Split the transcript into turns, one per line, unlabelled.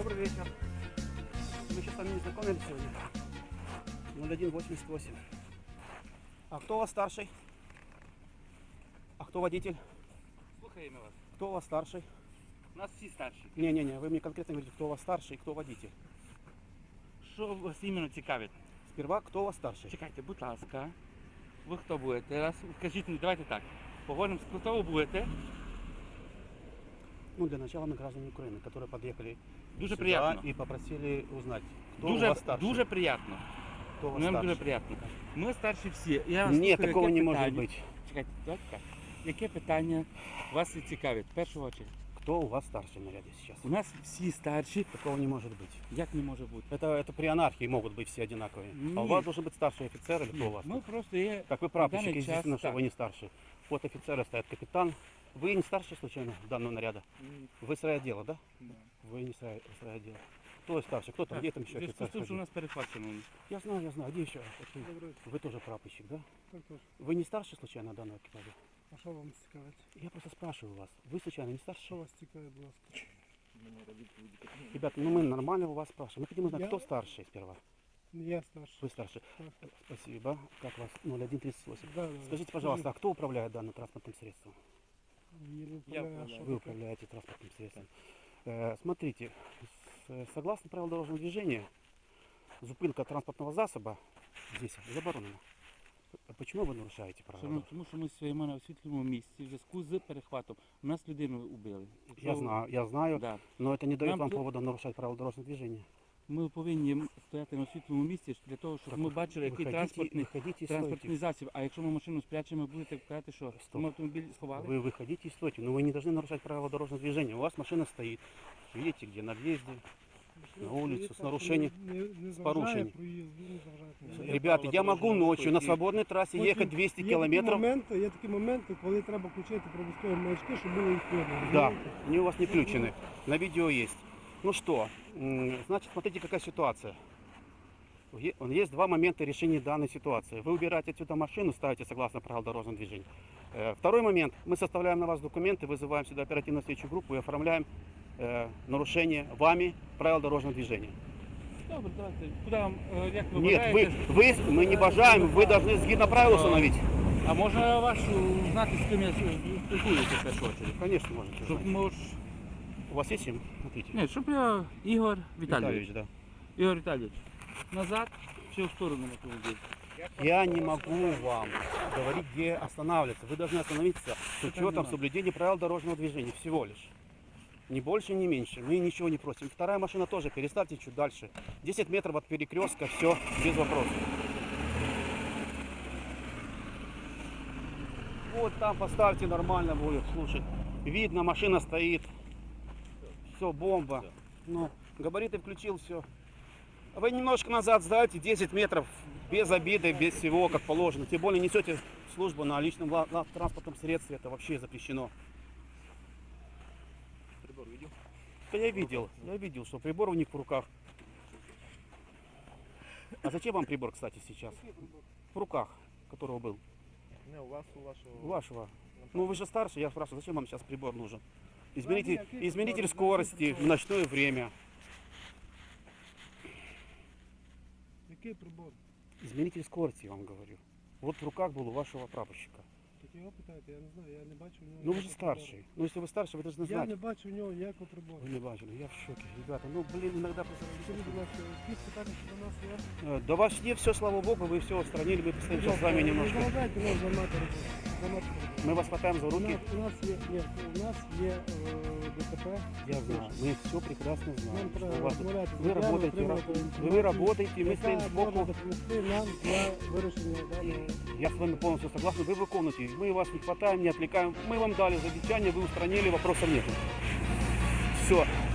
Добрый вечер. Мы сейчас с вами не знакомились сегодня. 0188. А кто у вас старший? А кто водитель?
Слухаємо вас.
Кто у вас старший?
У нас всі старші.
Не, вы мне конкретно говорите, кто у вас старший и кто водитель.
Що вас іменно цікавить?
Сперва, кто у вас старший?
Чекайте, будь ласка. Ви хто будете? Раз, скажіть мені, давайте так. Поговоримо, хто ви будете.
Ну, для начала мы граждане Украины, которые подъехали
Дуже
сюда
приятно.
и попросили узнать, кто у вас старший.
Дуже приятно.
Кто у вас
Нам
старший?
дуже приятно. Ми старші всі. Я вас
Нет,
слухаю,
такого
яке
не может
питання?
быть.
Чекайте, давайте так. Яке питання вас цікавить? В першу очередь.
Кто у вас старший в наряде сейчас?
У нас всі старші.
Такого не может быть.
Як не може бути?
Это при анархии могут быть все одинаковые. А у
Нет.
вас должен быть старший офицер или кто у вас?
Ми просто є...
Как вы
в
прапорщик,
даний
естественно,
час
что
так.
вы не старший. Под офицера стоит капитан. Вы не старший случайно данного наряда? Вы с райотдела, да? Вы не с райотдела. Кто старший? Кто там? Где там еще
В зв'язку
офицер?
з тим, що у
ходил?
нас перехвачено.
Я знаю. А где еще? Вы тоже прапорщик, да?
Так точно.
Вы не старший случайно данного экипажа?
А що вам цікавить?
Я просто спрашиваю вас. Вы случайно не
Що
старший?
вас цікавить, будь ласка?
Ребята, ну мы нормально у вас спрашиваем. Мы хотим узнать,
Я-
кто старший сперва.
Я старший.
Вы старший.
Так.
Спасибо. Как вас? 0138.
Да.
Скажите, пожалуйста, а кто управляет данным транспортным средством?
Я не
Я
управляю, а
управляю.
що
Вы
таке?
управляете транспортным средством. Смотрите, согласно правилам дорожного движения, зупинка транспортного засоба здесь заборонена. Почему вы нарушаете правила?
Тому що ми стоїмо на освітленому місці в зв'язку з перехватом. У нас людину убили.
Я знаю,
Да.
но это не дает
Нам
вам
тут-
повода нарушать правила дорожного движения.
Ми повинні стояти на освітленому місці для того, щоб ми бачили, який транспортний
стойте.
засіб. А якщо ми машину спрячемо, ви будете казати, що
Стоп.
ми автомобіль сховали?
Вы выходите и стойте, но вы не должны нарушать правила дорожного движения. У вас машина стоит, видите, где на въезде. На улицу с нарушением,
с
порушением.
порушенням.
Ребята, я могу ночью на свободной трассе ехать 200 километров.
Є такі моменти, коли треба включити пробузкові маячки, щоб було їх видно.
Да, они у вас не включены. На видео есть. Ну что, значит, смотрите, какая ситуация. Есть два момента решения данной ситуации. Вы убираете отсюда машину, ставите согласно правилам дорожного движения. Второй момент. Мы составляем на вас документы, вызываем сюда оперативно-следственную группу и оформляем нарушение вами правил дорожного движения.
Добре, давайте. Куди вам, як ви
Нет,
бажаєте?
мы не бажаем, вы должны згідно правил установить.
А можна вашу знати, з ким я спілкуюся в першу очередь?
Конечно, можете.
Щоб
знать.
мож...
У вас есть им? Смотрите.
Ні, щоб я... Ігор Віталійович.
да.
Ігор Віталійович. Назад, чи в сторону автомобіля?
Я не могу вам говорить, где останавливаться. Вы должны остановиться с учетом
понимаю.
соблюдения правил дорожного движения. Всего лишь. Ни больше, ни меньше. Мы ничего не просим. Вторая машина тоже. Переставьте чуть дальше. 10 метров от перекрестка. Все, без вопросов. Вот там поставьте, нормально будет. Слушай, видно, машина стоит. Все, бомба. Ну, габариты включил, все. Вы немножко назад сдайте, 10 метров, без обиды, без всего, как положено. Тем более несете службу на личном транспортном средстве, это вообще запрещено.
Прибор видел?
Да я видел, что прибор у них в руках. А зачем вам прибор, кстати, сейчас? В руках, которого был.
Не, у вас, у вашего.
У вашего. Ну вы же старше, я спрашиваю, зачем вам сейчас прибор нужен?
Какие
Измеритель
приборы?
скорости в ночное время.
Який прибор?
Измеритель скорости, я вам говорю. Вот в руках был у вашего прапорщика.
Так його питайте, я не знаю, я не бачу в нього.
Ну вы же
ніякого
старший. Ну если вы старший, вы должны
прибору. Я
знать.
не бачу в нього ніякого прибору.
Вы не бачили, я в шоке. Ребята, ну блин, иногда
Скажіть, будь ласка, якісь питання що до нас є?
до вас не все, слава богу, вы все устранили, мы постоим сейчас с вами
Не
немножко.
заважайте нас займати роботу. Займати роботу.
Мы вас хватаем за руки.
У нас є ДТП.
Я знаю, мы все прекрасно знаем.
Нам
что
треба
у вас-
розмовляти з
Вы
водіями,
работаете,
отримувати
вы
інформацію,
работаете, мы стоим
яка
сбоку.
може допомогти нам для вирішення даного.
Я с вами полностью согласен, вы выполните. Мы вас не хватаем, не отвлекаем. Мы вам дали замечание, вы устранили, вопросов нет. Все.